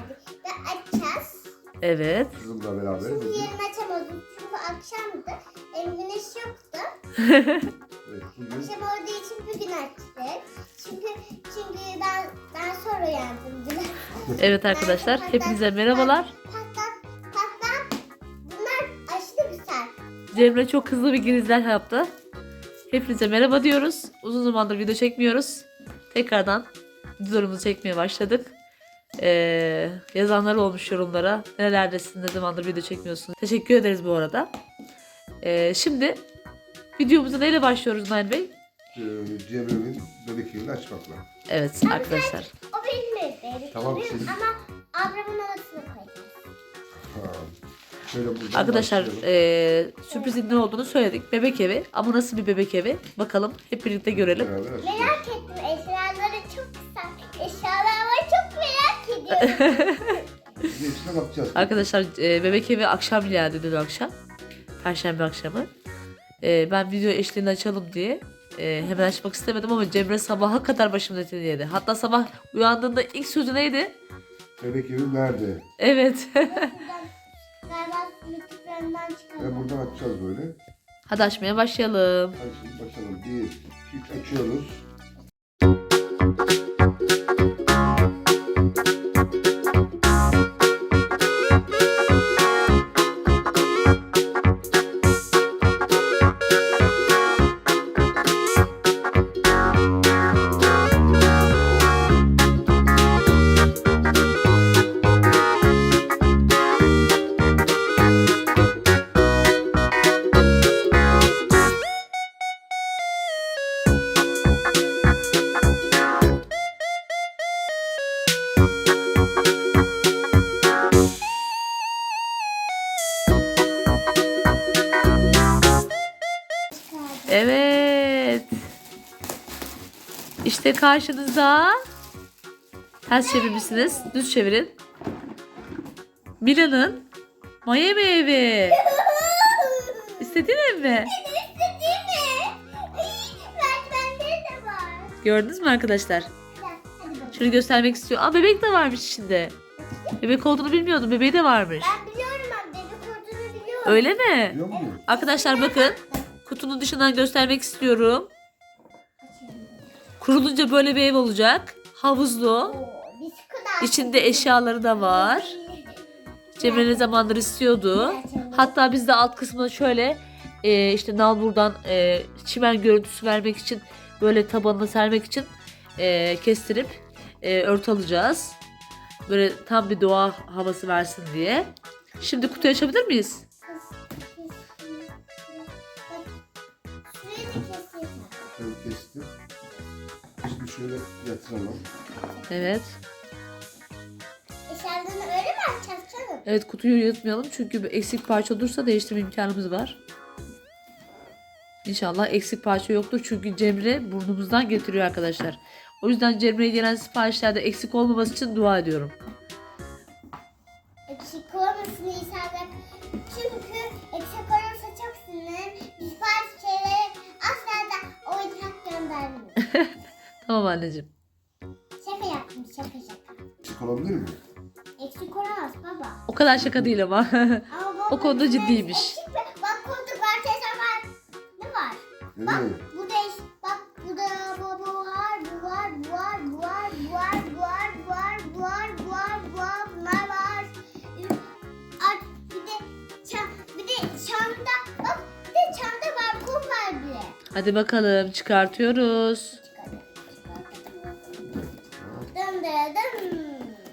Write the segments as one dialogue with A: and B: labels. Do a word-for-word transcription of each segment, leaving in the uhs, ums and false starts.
A: geldi. Ve açacağız.
B: Evet.
C: Kızımla beraber.
A: Şimdi yarın açamadım. Çünkü akşamdı. Hem güneş yoktu.
C: Evet, bugün
A: Akşam olduğu için bugün açtık. Çünkü çünkü ben ben sonra uyandım dün.
B: Evet arkadaşlar, hepinize merhabalar.
A: Patlat, patlat. Bunlar aşırı güzel.
B: Cemre çok hızlı bir girizler yaptı. Hepinize merhaba diyoruz. Uzun zamandır video çekmiyoruz. Tekrardan videolarımızı çekmeye başladık. Ee, yazanlar olmuş yorumlara. Nerelerdesin, ne zamandır video çekmiyorsun. Teşekkür ederiz bu arada. Ee, şimdi videomuza neyle başlıyoruz Nail Bey?
C: e, Cemre'nin bebek evini açmakla.
B: Evet arkadaşlar.
A: O benim bebeğim.
C: Tamam,
A: Benim
C: siz-
A: ama ablamın odasına koyacağız.
C: Tamam. Şöyle buradan
B: Arkadaşlar
C: başlayalım.
B: ee, sürprizin ne olduğunu söyledik. Bebek evi. Ama nasıl bir bebek evi? Bakalım hep birlikte görelim.
C: Beraber açacağız.
A: Merak ettim. Eşyaları çok güzel. Eşyalar var, çok merak ediyorum.
C: Biz hepsine bakacağız.
B: Arkadaşlar e, bebek evi akşam geldi dün akşam. Perşembe akşamı. E, ben video eşliğini açalım diye e, hemen açmak istemedim ama Cemre sabaha kadar başımın etini yedi. Hatta sabah uyandığında ilk sözü neydi?
C: Bebek evi nerede?
B: Evet.
A: Galiba YouTube'larından
C: Ve
A: çıkalım.
C: buradan açacağız böyle.
B: Hadi açmaya başlayalım.
C: Hadi şimdi başlayalım. Bir, iki, üç açıyoruz.
B: Evet. İşte karşınızda. Ters çevirmişsiniz. Düz çevirin. Mila'nın Miami evi. İstediğin ev mi?
A: İstediğim mi? Merdivenleri de var.
B: Gördünüz mü arkadaşlar?
A: Hadi bakalım.
B: Şunu göstermek istiyor. Aa, bebek de varmış içinde. Bebek olduğunu bilmiyordum. Bebeği de varmış.
A: Ben biliyorum, ben bebek olduğunu biliyorum.
B: Öyle mi?
C: Biliyor musun?
B: Arkadaşlar bakın. Kutunun dışından göstermek istiyorum. Kurulunca böyle bir ev olacak. Havuzlu.
A: Oo, biz kadar.
B: İçinde eşyaları da var. Cemre ne zamandır istiyordu. Hatta biz de alt kısmına şöyle e, işte nalburdan e, çimen görüntüsü vermek için, böyle tabanına sermek için e, kestirip e, örtü alacağız. Böyle tam bir doğa havası versin diye. Şimdi kutuyu açabilir miyiz?
A: Şurayı da keseyim.
C: Şöyle kestim. Şimdi şöyle yatıralım.
B: Evet.
A: Eşyalarını öyle mi açacağız canım?
B: Evet, kutuyu yırtmayalım çünkü bir eksik parça olursa değiştirme imkanımız var. İnşallah eksik parça yoktur çünkü Cemre burnumuzdan getiriyor arkadaşlar. O yüzden Cemre'ye gelen siparişlerde eksik olmaması için dua ediyorum.
A: Eksik olmasın insanlar. Çünkü eksik olursa çok sinirlenirim. Biz bazı şeyleri asla da oyuncak göndermiyoruz.
B: Tamam anneciğim.
A: Şaka yaptım, şaka şaka.
C: Çık olabilir mi?
A: Eksik olamaz baba.
B: O kadar şaka değil ama.
A: Ama baba
B: O konuda
A: biz
B: ciddiymiş.
A: eksik mi? Bak koltuk var, teyze var. Ne var? Bak
C: Nereye?
A: bu da eş- bak bu da bu, bu var, bu var, bu var, bu var, bu var, bu var, bu var, bu var, bu var, bu var, bunlar var. Art bir de çam, bir de çamda bak, bir de çamda balkon var bile.
B: Hadi bakalım, çıkartıyoruz.
A: Dım dı dım.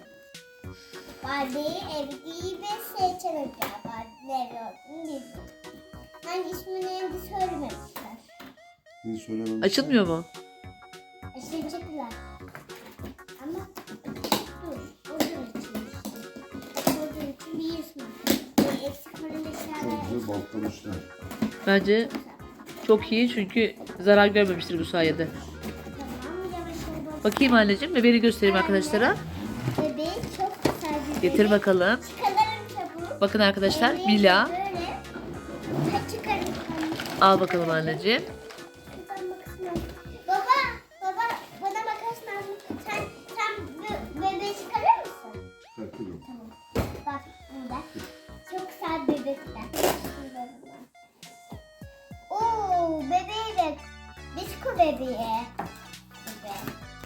A: Barbie evli ve seçenekler. Barbie evli olduğunu bildim. Hangi ismini evli söylememişler.
C: Beni söylemem.
B: Açılmıyor mu?
A: Açılacaklar. Ama dur. Oradan açılmış. Oradan için bir ismi. Böyle eksik olan eşyalar.
C: Çok güzel bantlamışlar.
B: Bence çok iyi çünkü zarar görmemiştir bu sayede.
A: Tamam, yavaş yavaş.
B: Bakayım anneciğim, bebeğini göstereyim arkadaşlara.
A: Bebeği çok güzel bir
B: Getir
A: bebek.
B: bakalım.
A: Çıkaralım çabuk.
B: Bakın arkadaşlar,
A: Bebeği
B: Mila.
A: Böyle. Ha, çıkarın.
B: Al bakalım anneciğim.
A: Şuradan bakasın. Baba, baba bana bakasın. Sen, sen be- bebeği çıkarır mısın?
C: Çıkartın.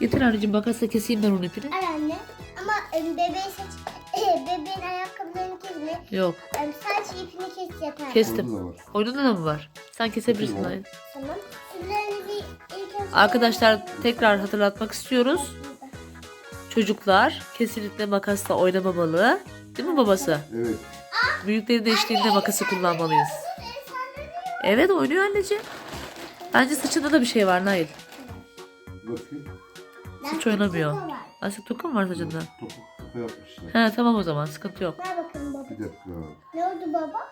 B: Getir anneciğim, makasla keseyim ben onun ipini.
A: Al anne. Ama e, bebeği seç. E, bebeğin ayakkabılarını kesme.
B: Yok.
A: E, sadece ipini kes yeter.
B: Kestim.
C: Orada da var.
B: Oyununda da mı var? Sen kesebilirsin
C: Tamam.
B: Nail.
A: Tamam. Sizlerini bir ilk önce...
B: Arkadaşlar tekrar hatırlatmak istiyoruz. Çocuklar kesinlikle makasla oynamamalı. Değil mi babası?
C: Evet.
B: Büyüklerin eşliğinde makası kullanmalıyız. Evet, oynuyor anneciğim. Bence saçında da bir şey var Nail.
C: Bakayım.
B: Hiç oynamıyor. Lastik toku mu var saçında?
C: Topuk topu yapmışlar.
B: He tamam, o zaman sıkıntı yok.
A: Ver bakalım baba.
C: Bir dakika.
A: Ne oldu baba?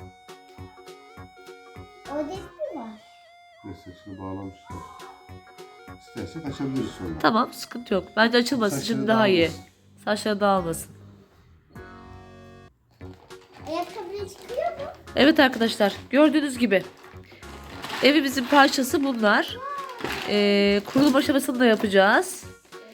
A: O değil mi var?
C: Ve saçını bağlamışlar. İstersek açabiliriz sonra.
B: Tamam, sıkıntı yok. Bence açılmasın,
C: Saçları
B: şimdi daha iyi.
C: dağılmasın.
B: Saçları dağılmasın.
A: Ayakkabı çıkıyor mu?
B: Evet arkadaşlar, gördüğünüz gibi evimizin parçası bunlar. Ee, kurulum aşamasını da yapacağız.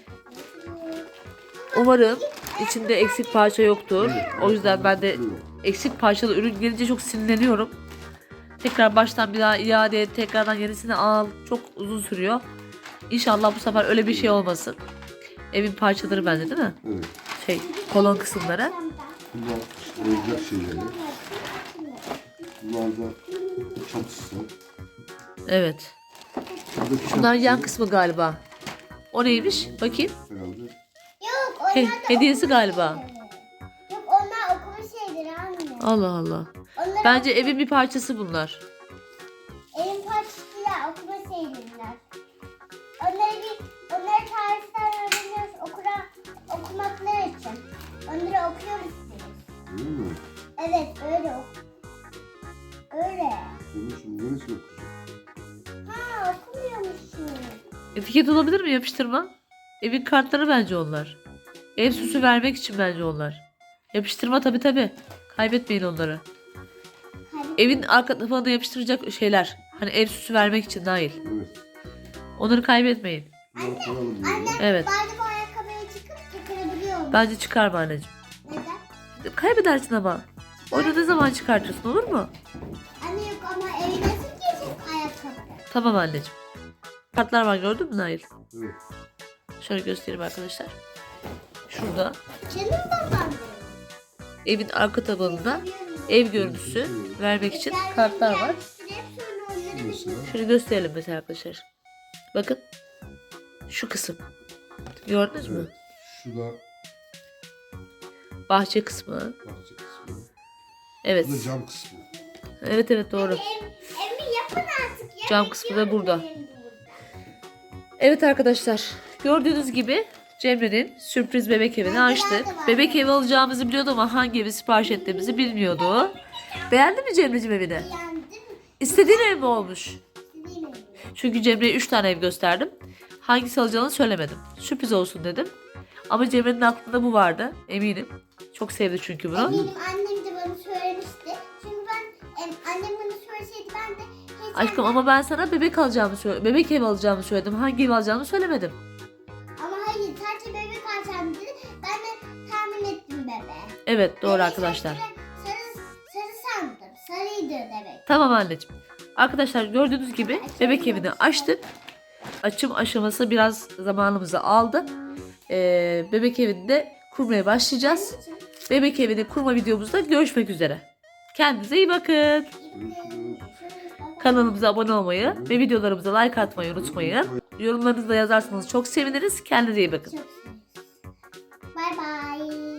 B: Umarım içinde eksik parça yoktur. O yüzden ben de eksik parçalı ürün gelince çok sinirleniyorum. Tekrar baştan bir daha iade et, tekrardan yenisini al. Çok uzun sürüyor. İnşallah bu sefer öyle bir şey olmasın. Evin parçaları bende değil mi?
C: Evet.
B: Şey, kolon kısımları.
C: Bunlar işte oyuncak şeyleri. Bunlar da çatısı.
B: Evet.
C: Buradaki
B: Bunlar yan
C: çatısı
B: kısmı galiba. O neymiş? Bakayım.
C: herhalde.
A: Yok onlar
B: He-
A: da
B: hediyesi
A: okul
B: galiba.
A: şeyleri. Yok onlar okul şeyleri anne.
B: Allah Allah.
A: Onları
B: Bence evin bir parçası bunlar.
A: Evin parçasıyla okuma şeyler. Onları bir, onları tarihten öğreniyoruz okura, okumaklar için. Onları okuyoruz biz.
C: Değil mi?
A: Evet öyle ok. Öyle.
C: Bunun şimdi neresi okuyacak?
A: Ha okumuyormuşsun.
B: Etiket olabilir mi, yapıştırma? Evin kartları bence onlar. Ev süsü vermek için bence onlar. Yapıştırma tabi tabi. Kaybetmeyin onları.
A: Hadi.
B: Evin arka tarafına yapıştıracak şeyler. Hani ev süsü vermek için dahil.
C: Evet.
B: Onları kaybetmeyin.
C: Bunları koyalım böyle.
A: Anne
B: Evet.
A: bari bu ayakkabıyı çıkıp çıkarabiliyor musun?
B: Bence çıkarma anneciğim.
A: Neden?
B: Kaybedersin ama. Onu ne zaman çıkartırsın, olur mu?
A: Anne yok ama evi nasıl giyecek ayakkabı?
B: Tamam anneciğim. Kartlar var, gördün mü Nail?
C: Evet.
B: Şöyle göstereyim arkadaşlar. Şurada
A: Canım babam.
B: evin arka tabanında ev görüntüsü vermek için kartlar var.
C: Mesela.
B: Şöyle gösterelim mesela arkadaşlar. Bakın. Şu kısım. Gördünüz mü?
C: Evet. Şu da
B: Bahçe kısmı.
C: bahçe kısmı.
B: Evet.
C: Bu da cam kısmı.
B: Evet evet doğru.
A: Ev, evi yapın artık ya.
B: Cam kısmı da burada.
A: Benim burada.
B: Evet arkadaşlar. Gördüğünüz gibi Cemre'nin sürpriz bebek evini açtık. Bebek evi alacağımızı biliyordu ama hangi evi sipariş ettiğimizi bilmiyordu. Beğendin mi Cemre'cim evini?
A: Beğendin mi?
B: İstediğin ev mi olmuş?
A: Değil mi?
B: Çünkü Cemre'ye üç tane ev gösterdim. Hangisi alacağını söylemedim. Sürpriz olsun dedim. Ama Cemre'nin aklında bu vardı. Eminim. Çok sevdi çünkü bunu.
A: Eminim annem de bana söylemişti. Çünkü ben em, annem bana söyleseydi ben de hiç
B: Aşkım ama ben sana bebek alacağımı söyledim. Bebek evi alacağımı söyledim. Hangi ev alacağımı söylemedim.
A: Ama hayır sadece bebek açacağım dedi. Ben de tahmin ettim bebeği.
B: Evet doğru
A: Bebeği
B: arkadaşlar.
A: Sarı, sarı, sarı sandım. Sarıydı demek.
B: Tamam anneciğim. Arkadaşlar gördüğünüz gibi bebek evini açtık. Açım aşaması biraz zamanımızı aldı. Ee, bebek evini de kurmaya başlayacağız. Bebek evini kurma videomuzda görüşmek üzere. Kendinize iyi bakın.
C: Görüşürüz.
B: Kanalımıza abone olmayı ve videolarımıza like atmayı unutmayın. Yorumlarınızı da yazarsanız çok seviniriz. Kendinize iyi bakın.
A: Çok sevdim. Bye bye.